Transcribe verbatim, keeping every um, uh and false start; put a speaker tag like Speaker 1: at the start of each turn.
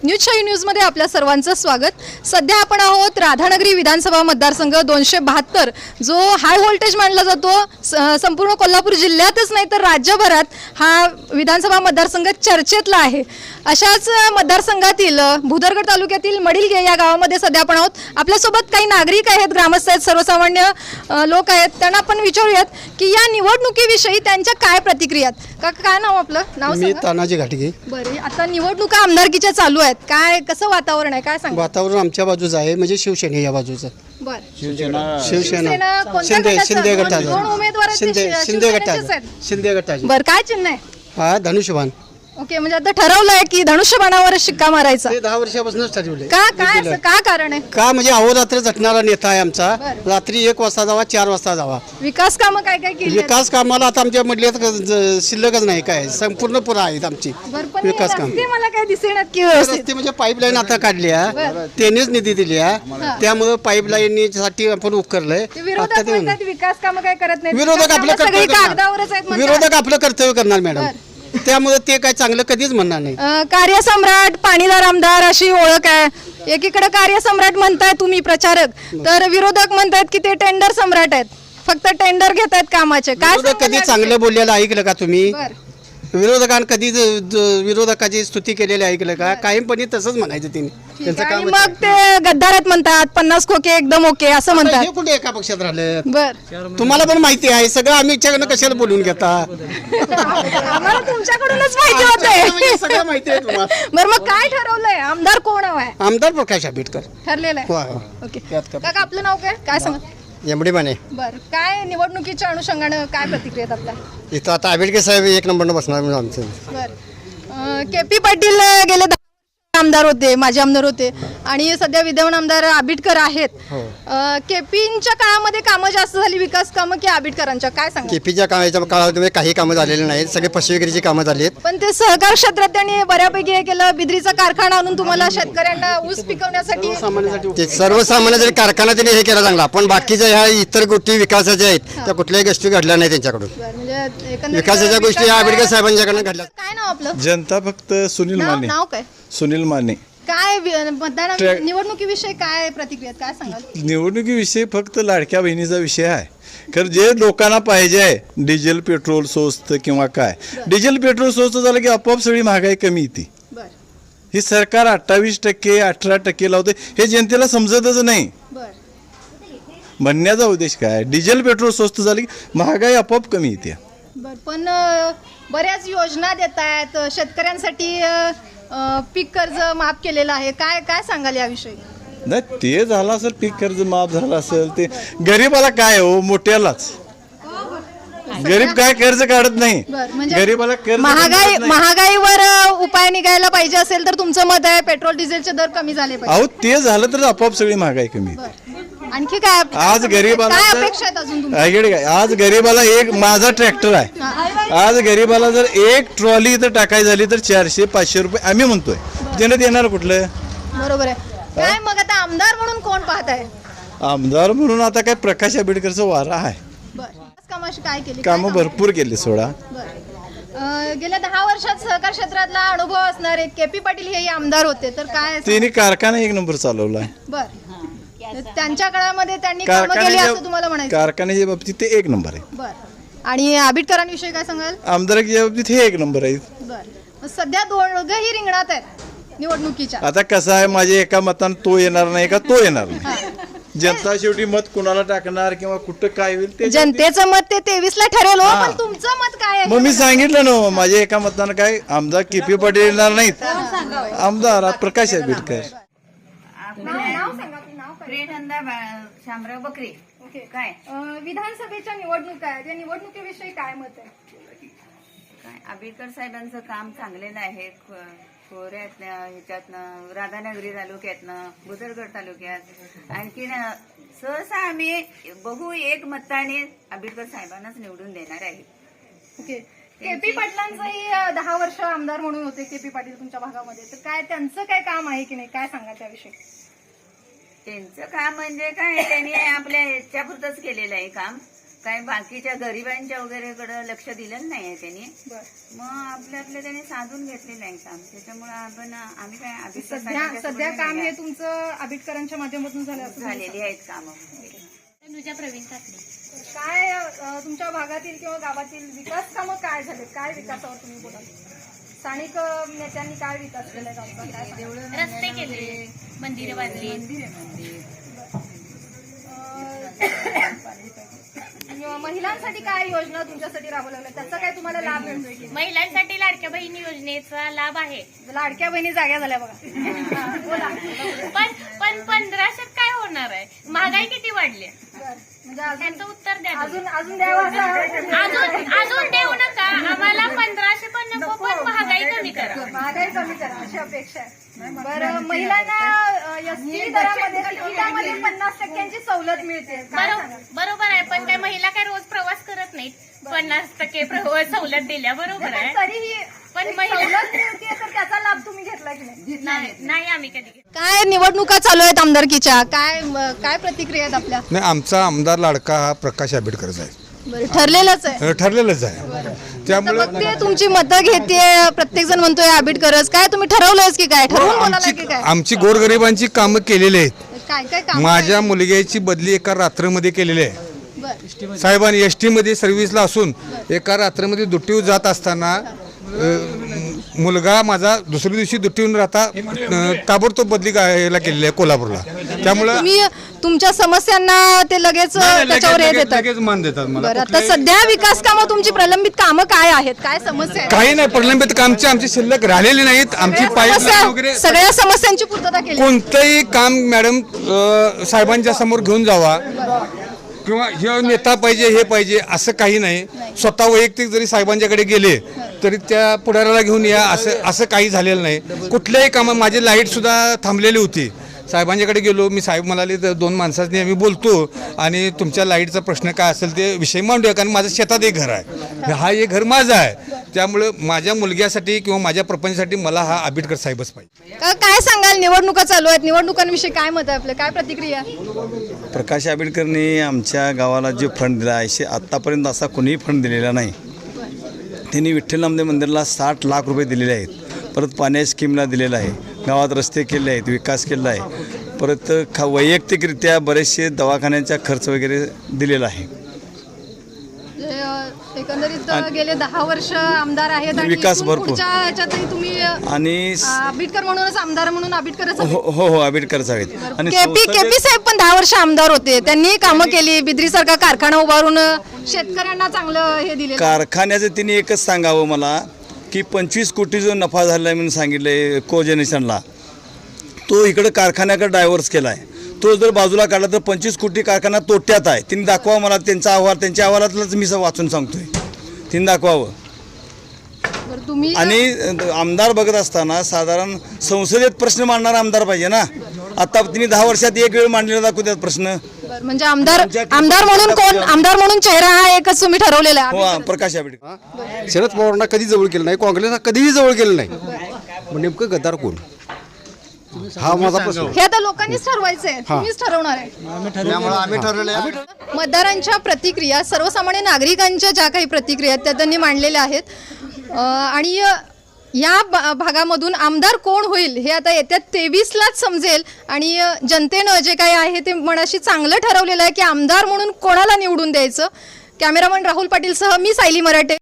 Speaker 1: न्यूजशाही न्यूजमध्ये आपल्या सर्वांचं स्वागत। सध्या आपण आहोत राधानगरी विधानसभा मतदारसंघ दोनशे बहात्तर, जो हाय व्होल्टेज मानला जातो। संपूर्ण कोल्हापूर जिल्ह्यातच नाही तर राज्यभरात हा विधानसभा मतदारसंघ चर्चेतला आहे। अशाच मतदारसंघातील भुदरगड तालुक्यातील मडिलगे या गावामध्ये सध्या आपण आहोत। आपल्यासोबत काही नागरिक आहेत, ग्रामस्थ आहेत, सर्वसामान्य लोक आहेत। त्यांना आपण विचारूयात की या निवडणुकीविषयी त्यांच्या काय प्रतिक्रिया आहेत। काका, काय नाव आपलं? नाव
Speaker 2: मी तानाजी घाटगे।
Speaker 1: बरं, आता निवडणुका आमदारकीच्या चालू आहेत, काय कसं वातावरण आहे, काय सांगा?
Speaker 2: वातावरण आमच्या बाजूचं आहे, म्हणजे शिवसेने या बाजूचं।
Speaker 1: बरं,
Speaker 2: शिवसेना
Speaker 1: शिवसेना कोणत्या
Speaker 2: शिंदे
Speaker 1: गटाचं?
Speaker 2: शिंदे
Speaker 1: दोन-
Speaker 2: गटाचं
Speaker 1: दोन उमेदवार आहेत, ते
Speaker 2: शिंदे
Speaker 1: शि-
Speaker 2: शिंदे
Speaker 1: शिवसेनेचेच
Speaker 2: गटाचं
Speaker 1: आहेत।
Speaker 2: शिंदे गटाचं
Speaker 1: बरं, काय चिन्ह आहे?
Speaker 2: हा धनुष्यबाण।
Speaker 1: ओके, म्हणजे आता ठरवलंय की धनुष्यबाणावर शिक्का मारायचा
Speaker 2: ते दहा वर्षापासूनच ठरवले।
Speaker 1: का? काय असं का कारण आहे?
Speaker 2: का म्हणजे अहोरात्र झटणारा नेता आहे आमचा।
Speaker 1: बरं.
Speaker 2: रात्री एक वाजता जावा, चार वाजता जावा।
Speaker 1: विकास कामं काय काय केली आहेत?
Speaker 2: विकास कामाला आता आमच्या मधल्यात ज- शिल्लकच नाही, काय संपूर्ण पुरा आहेत आमची
Speaker 1: बरं, पण हे
Speaker 2: विकास काम।
Speaker 1: रस्ते मला काय दिसेनात की व्यवस्थित?
Speaker 2: रस्ते म्हणजे पाईपलाईन आता काढल्या,
Speaker 1: बरं.
Speaker 2: त्यांनीच निधी दिल्या, त्यामुळे पाईपलाईन साठी आपण उपकरलंय।
Speaker 1: ते विरोधक
Speaker 2: आता ते
Speaker 1: म्हणतात विकास कामं काय करत नाही,
Speaker 2: विरोधक आपलं
Speaker 1: सगळी
Speaker 2: कर्तव्य
Speaker 1: कागदावरच आहेत
Speaker 2: करणार,
Speaker 1: म्हणतात।
Speaker 2: विरोधक आपलं कर्तव्य करणार मॅडम, त्यामुळे ते काय चांगलं कधीच म्हणणार नाही।
Speaker 1: अ, कार्यसम्राट, पाणीदार आमदार अशी ओळख आहे। एकीकडे कार्यसम्राट म्हणताय तुम्ही प्रचारक, तर विरोधक म्हणतायत की ते टेंडर सम्राट आहेत, फक्त टेंडर घेत आहेत कामाचे। काय
Speaker 2: विरोधक
Speaker 1: सांगाल
Speaker 2: कधी
Speaker 1: या
Speaker 2: चांगलं बोललेलं ऐकलं का तुम्ही?
Speaker 1: विषयी? बरं.
Speaker 2: विरोधकांनी कधी ज- ज- विरोधकाची स्तुती केलेली ऐकलं का? कायमपणे तसंच म्हणायचं तिने,
Speaker 1: ठीक
Speaker 2: त्यांचं
Speaker 1: आहे. आणि
Speaker 2: काम
Speaker 1: मग ते गद्दारत म्हणतात, पन्नास खोके एकदम ओके असं म्हणतात।
Speaker 2: हे कुठे एका पक्षात राहिलं?
Speaker 1: बर,
Speaker 2: तुम्हाला पण माहिती आहे सगळं, आम्ही इच्छाकडनं कशाला बोलून घेता?
Speaker 1: आम्हाला तुमच्याकडूनच माहिती
Speaker 2: म्हणजे
Speaker 1: होते।
Speaker 2: सगळं माहिती आहे तुम्हाला।
Speaker 1: बरं, मग काय ठरवलंय? आमदार कोण हवाय?
Speaker 2: आमदार प्रकाश आंबेडकर।
Speaker 1: ठरलेलं आहे?
Speaker 2: वा, वा.
Speaker 1: ओके,
Speaker 2: त्यात का-
Speaker 1: काका आपलं नाव काय? काय सांगा?
Speaker 3: एमडी माने
Speaker 1: बर, काय निवडणुकीच्या अनुषंगानं काय प्रतिक्रिया आहेत आपल्या?
Speaker 3: इथं आता आंबेडकर साहेब एक नंबरनं बसणार म्हणून आमचं.
Speaker 1: बर, के पी पाटील गेले दहा आमदार होते, माजी आमदार होते, आणि सध्या विद्यमान आमदार आबिटकर आहेत। केपींच्या काळामध्ये कामं जास्त झाली, विकास कामं, की आबिटकरांच्या? काय सांगा?
Speaker 3: केपीच्या कामाच्या काळामध्ये काही कामं झालेली नाहीत, सगळे पशुविक्रीची कामं झाली आहेत.
Speaker 1: पण ते सहकार क्षेत्रात त्यांनी बऱ्यापैकी हे केलं, बिद्रीचा कारखाना आणून तुम्हाला शेतकऱ्यांना ऊस पिकवण्यासाठी।
Speaker 2: सामान्यासाठी
Speaker 3: ते सर्वसामान्य जरी कारखाना त्यांनी हे केला चांगला, पण बाकीच्या ह्या इतर गोष्टी विकासाच्या आहेत त्या कुठल्याही गोष्टी घडल्या नाही त्यांच्याकडून।
Speaker 1: बरं, म्हणजे एकंदरीत
Speaker 3: विकासाच्या गोष्टी
Speaker 1: विकास-
Speaker 3: आंबेडकर साहेबांच्याकडनं घडल्या.
Speaker 1: काय नाव आपलं?
Speaker 4: जनता फक्त सुनील
Speaker 1: नाव
Speaker 4: माने
Speaker 1: नाव काय?
Speaker 4: सुनील माने
Speaker 1: काय वि- मतदान
Speaker 4: ट्रॅ-
Speaker 1: निवडणुकीविषयी काय प्रतिक्रिया आहेत? काय सांगाल?
Speaker 4: निवडणुकीविषयी फक्त लाडक्या बहिणीचा विषय आहे। खरं जे लोकांना पाहिजे आहे डिझेल पेट्रोल स्वस्त किंवा काय, डिझेल पेट्रोल स्वस्त झालं की आपोआप सगळी महागाई कमी येते।
Speaker 1: बर
Speaker 4: ही सरकार अठ्ठावीस टक्के अठरा टक्के लावते, हे जनतेला समजतच नाही।
Speaker 1: बर
Speaker 4: म्हणण्याचा उद्देश काय? डिझेल पेट्रोल स्वस्त झालं की महागाई आपोआप कमी येते।
Speaker 1: बर, पण अ, बऱ्याच योजना देत आहेत शेतकऱ्यांसाठी। अ, अ, पीक कर्ज माफ केलेलं आहे, काय काय सांगाल याविषयी?
Speaker 4: नाही ते झालं असेल, पीक कर्ज माफ झालं असेल, ते गरीबाला काय हो, मोठ्यालाच गरीब काय कर्ज काढत नाही,
Speaker 1: बर, म्हणजे
Speaker 4: गरीबाला कर्ज
Speaker 1: महागाई
Speaker 4: काढत नाही.
Speaker 1: महागाईवर अ, उपाय निघायला पाहिजे असेल तर तुमचं मत आहे पेट्रोल डिझेलचे दर कमी झाले पाहिजे।
Speaker 4: अहो ते झालं तर आपोआप सगळी महागाई कमी येते।
Speaker 1: बर, आणखी काय
Speaker 4: आज गरीबाला
Speaker 1: काय
Speaker 4: तर-
Speaker 1: अपेक्षा आहेत अजून तुमच्या?
Speaker 4: ऐकले काय, आज गरीबाला एक माझा ट्रॅक्टर आहे, आज गरीबाला जर एक ट्रॉली इथं टाकायची झाली तर चारशे पाचशे रुपये आम्ही म्हणतोय, देण्यात येणार कुठलं?
Speaker 1: बरोबर आहे। काय मग आता आमदार म्हणून कोण पाहत आहे?
Speaker 4: आमदार म्हणून आता काय प्रकाश आंबेडकरचा वारा आहे,
Speaker 1: बर, कामाशी काय केली? काय
Speaker 4: कामं
Speaker 1: कामं?
Speaker 4: भरपूर केली सोडा।
Speaker 1: बरं. अ, गेल्या दहा वर्षात सहकार क्षेत्रातला अनुभव असणारे के पी पाटील हे आमदार होते, तर काय?
Speaker 4: तिने कारखाना एक नंबर चालवलाय,
Speaker 1: बर, त्यांच्या काळामध्ये त्यांनी कामं केली असं तुम्हाला
Speaker 4: कारखान्याच्या
Speaker 1: म्हणायचं?
Speaker 4: कारखान्याच्या बाबतीत ते एक नंबर आहे,
Speaker 1: बर, आणि आबिटकरांविषयी काय सांगाल?
Speaker 4: आमदारकीच्या बाबतीत हे एक नंबर आहे।
Speaker 1: बर, मग सध्या दोघंही रिंगणात आहेत निवडणुकीच्या।
Speaker 4: आता कसं आहे, माझ्या एका मतानं तो येणार नाही का तो येणार नाही, जनता शेवटी मत कुणाला टाकणार किंवा कुठं काय होईल ते
Speaker 1: जनतेचं मत ते तेवीस ला ठरेल हो, पण तुमचं मत काय आहे?
Speaker 4: मग मी सांगितलं ना, माझ्या एका मतानं काय आमदार के पी पाटील येणार नाहीत, आमदार प्रकाश आंबेडकर।
Speaker 1: नाव सांगा, आपलं नाव काय?
Speaker 5: प्रियनंदा बा- शामराव बकरे.
Speaker 1: ओके.
Speaker 5: काय
Speaker 1: अ, विधानसभेच्या निवडणुका आहेत, या निवडणुकीविषयी काय मत आहे?
Speaker 5: काय आंबेडकर साहेबांचं काम चांगलेलं आहे. खोऱ्यातनं ह्याच्यातनं राधानगरी तालुक्यातनं भुदरगड तालुक्यात आणखीन सहसा आम्ही बहु एक मताने आंबेडकर साहेबांनाच निवडून देणार आहे.
Speaker 1: ओके. के पी पाटलांचंही अ, दहा वर्ष आमदार म्हणून होते के पी पाटील तुमच्या भागामध्ये, तर काय त्यांचं काय काम आहे की नाही, काय सांगा त्याविषयी?
Speaker 5: त्यांचं काम म्हणजे काय, त्यांनी आपल्या ह्याच्यापुरतंच केलेलं आहे काम, काय बाकीच्या गरिबांच्या वगैरेकडे लक्ष दिलं नाहीये त्यांनी. मग आपलं आपलं त्यांनी साधून घेतलेलं आहे काम. त्याच्यामुळे आपण आम्ही काय आंबेडकर
Speaker 1: सध्या
Speaker 5: साहेबांच्या
Speaker 1: सध्या
Speaker 5: सोबत
Speaker 1: काम
Speaker 5: नाही
Speaker 1: हे तुमचं आंबेडकरांच्या माध्यमातून झालं असं तुम्ही
Speaker 5: झालेली आहेत कामं.
Speaker 6: तनुजा प्रवीण काकडे.
Speaker 1: काय अ, तुमच्या भागातील किंवा गावातील विकास कामं काय झाले? काय विकासावर तुम्ही बोलाल? स्थानिक अ, नेत्यांनी काय विकास केलाय गावचा? काय सांगाल?
Speaker 6: रस्ते केले, मंदिरे बांधली.
Speaker 1: अ, महिलांसाठी काय योजना तुमच्यासाठी राबवल्या लागल्या? त्याचा काय तुम्हाला लाभ मिळतोय की?
Speaker 6: महिलांसाठी लाडक्या बहिणी योजनेचा लाभ आहे.
Speaker 1: लाडक्या बहिणी जाग्या झाल्या बघा. हा, बोला.
Speaker 6: पण पण पंधराशेत काय होणार आहे? महागाई किती वाढली?
Speaker 1: बरं. म्हणजे अजून
Speaker 6: त्याचं उत्तर द्या.
Speaker 1: अजून अजून द्यावं असं
Speaker 6: अजून अजून देऊ नका आम्हाला. पंधराशे पण नको, पण महागाई कमी करा.
Speaker 1: महागाई कमी करा अशी अपेक्षा आहे. बरं, महिलांना एसटी दरामध्ये तिकिटामध्ये पन्नास टक्क्यांची सवलत मिळते. काय
Speaker 6: बरो-
Speaker 1: सांगाल?
Speaker 6: बरोबर आहे, पण काय महिला काय रोज प्रवास करत नाहीत. पन्नास टक्के प्रवास सवलत दिल्या, बरोबर
Speaker 1: पण
Speaker 6: आहे.
Speaker 1: तरीही
Speaker 6: पण
Speaker 1: एक
Speaker 6: महिला-
Speaker 1: सवलत मिळते तर त्याचा लाभ तुम्ही घेतला की नाही?
Speaker 6: नाही नाही आम्ही कधी घेतलं.
Speaker 1: काय निवडणुका चालू आहेत आमदारकीच्या? काय काय प्रतिक्रिया आहेत आपल्या?
Speaker 7: नाही, आमचा आमदार लाडका हा प्रकाश आंबेडकरच आहे.
Speaker 1: बरं, ठरलेलंच आहे.
Speaker 7: अ, ठरलेलंच आहे.
Speaker 1: तर
Speaker 7: त्यामुळे
Speaker 1: मग ते तुमची मतं घेते, प्रत्येक जण म्हणतोय आंबेडकरच. काय तुम्ही ठरवलंयच की काय? ठरवून बोलायला की
Speaker 7: आमची
Speaker 1: काय?
Speaker 7: आमची गोरगरिबांची कामं केलेली आहेत.
Speaker 1: काय काय काम?
Speaker 7: माझ्या मुलग्याची बदली एका रात्रमध्ये केलेली आहे.
Speaker 1: बरं.
Speaker 7: साहेबांनी एस टीमध्ये सर्व्हिसला असून एका रात्रमध्ये दुट्टीवर जात असताना अ, मुलगा माझा दुसऱ्या दिवशी दुट्टीहून राहता अ, ताबडतोब बदली गा- केलेली आहे कोल्हापूरला. त्यामुळं
Speaker 1: तुम्ही तुमच्या समस्यांना ते लगेच
Speaker 7: नाही, लगेच-
Speaker 1: त्याच्यावर हे
Speaker 7: लगेच-
Speaker 1: देतात.
Speaker 7: लगेच मान देतात मला.
Speaker 1: बरं, आता
Speaker 7: कुठल्याही-
Speaker 1: सध्या विकास कामं तुमची प्रलंबित कामं काय आहेत? काय समस्या आहेत?
Speaker 7: काही नाही, प्रलंबित कामची आमची शिल्लक राहिलेली नाहीत. आमची
Speaker 1: सगळ्या
Speaker 7: पाईपलाईन
Speaker 1: समस्या-
Speaker 7: वगैरे
Speaker 1: सगळ्या समस्यांची पूर्तता केली.
Speaker 7: कोणतंही काम मॅडम अ, साहेबांच्या समोर घेऊन जावा किंवा हे नेता पाहिजे हे पाहिजे असं काही नाही. स्वतः वैयक्तिक जरी साहेबांच्याकडे गेले तरी त्या पुढाऱ्याला घेऊन या असं असं काही झालेलं नाही. कुठल्याही कामं माझी लाईट सुद्धा थांबलेली होती. साहेबांच्याकडे गेलो, मी साहेब म्हणाले तर दोन माणसांनी आम्ही बोलतो आणि तुमच्या लाईटचा प्रश्न काय असेल ते विषय मांडूया, कारण माझं शेतात एक घर आहे. हा एक घर माझं आहे. त्यामुळं माझ्या मुलग्यासाठी किंवा माझ्या प्रपंचासाठी मला हा आंबेडकर साहेबच पाहिजे.
Speaker 1: का- काय सांगाल? निवडणुका चालू आहेत, निवडणुकांविषयी काय मत आहे आपलं? काय प्रतिक्रिया?
Speaker 8: प्रकाश आंबेडकरनी आमच्या गावाला जे फंड दिला आहे आत्तापर्यंत असा कोणीही फंड दिलेला नाही. त्यांनी विठ्ठल नामदेव मंदिराला साठ लाख रुपये दिलेले आहेत. परत पाण्या स्कीमला दिलेलं आहे. गावात रस्ते केले आहेत, विकास केला आहे. परत खा वैयक्तिकरित्या बरेचसे दवाखान्यांचा खर्च वगैरे दिलेला आहे.
Speaker 1: म्हणजे, अ, एकंदरीत अ, गेले दहा वर्ष आमदार आहेत आणि
Speaker 8: विकास
Speaker 1: इथून
Speaker 8: भरपूर.
Speaker 1: पुढच्या ह्याच्यातही तुम्ही अ,
Speaker 8: आणि
Speaker 1: आंबेडकर म्हणूनच आमदार म्हणून आंबेडकरच
Speaker 8: हो हो हो आंबेडकरच आहेत. आणि
Speaker 1: केपी
Speaker 8: संसदेत-
Speaker 1: केपी साहेब पण दहा वर्ष आमदार होते. त्यांनी कामं केली, बिद्री सारखा कारखाना उभारून अ, शेतकऱ्यांना चांगलं हे दिले.
Speaker 8: कारखान्याचं तिने एकच सांगावं मला की पंचवीस कोटी जो नफा झाला आहे म्हणून सांगितलं आहे कोजेनेशनला, तो इकडं कारखान्याकडे डायव्हर्स केला आहे. तो जर बाजूला काढला तर पंचवीस कोटी कारखाना तोट्यात आहे. तिने दाखवा मला त्यांचा अहवाल. त्यांच्या अहवालातलंच मी वाचून सांगतोय. तिने दाखवावं.
Speaker 1: बरं, तुम्ही
Speaker 8: आणि आमदार बघत असताना साधारण संसदेत प्रश्न मांडणारा आमदार पाहिजे ना. आता तिने दहा वर्षात एक वेळ मांडलेला दाखवू त्यात प्रश्न.
Speaker 1: बरं, म्हणजे आमदार आमदार म्हणून कोण? आमदार म्हणून चेहरा हा एकच तुम्ही ठरवलेला आहे.
Speaker 8: हो प्रकाश आंबेडकर.
Speaker 2: शरद पवारांना कधी जवळ केलं नाही, काँग्रेसला कधीही जवळ केलं नाही. मग नेमकं गद्दार कोण? हा माझा प्रश्न.
Speaker 1: हे आता लोकांनीच ठरवायचंय, तुम्हीच ठरवणार आहे.
Speaker 3: त्यामुळे आम्ही ठरवलं आहे.
Speaker 1: मतदारांच्या प्रतिक्रिया, सर्वसामान्य नागरिकांच्या ज्या काही प्रतिक्रिया आहेत त्या त्यांनी मांडलेल्या आहेत. अ, आणि अ, या भा- भागामधून आमदार कोण होईल हे आता येत्या तेवीसलाच समजेल. आणि अ, जनतेनं जे काही आहे ते मनाशी चांगलं ठरवलेलं आहे की आमदार म्हणून कोणाला निवडून द्यायचं. कॅमेरामन राहुल पाटीलसह मी सायली मराठे.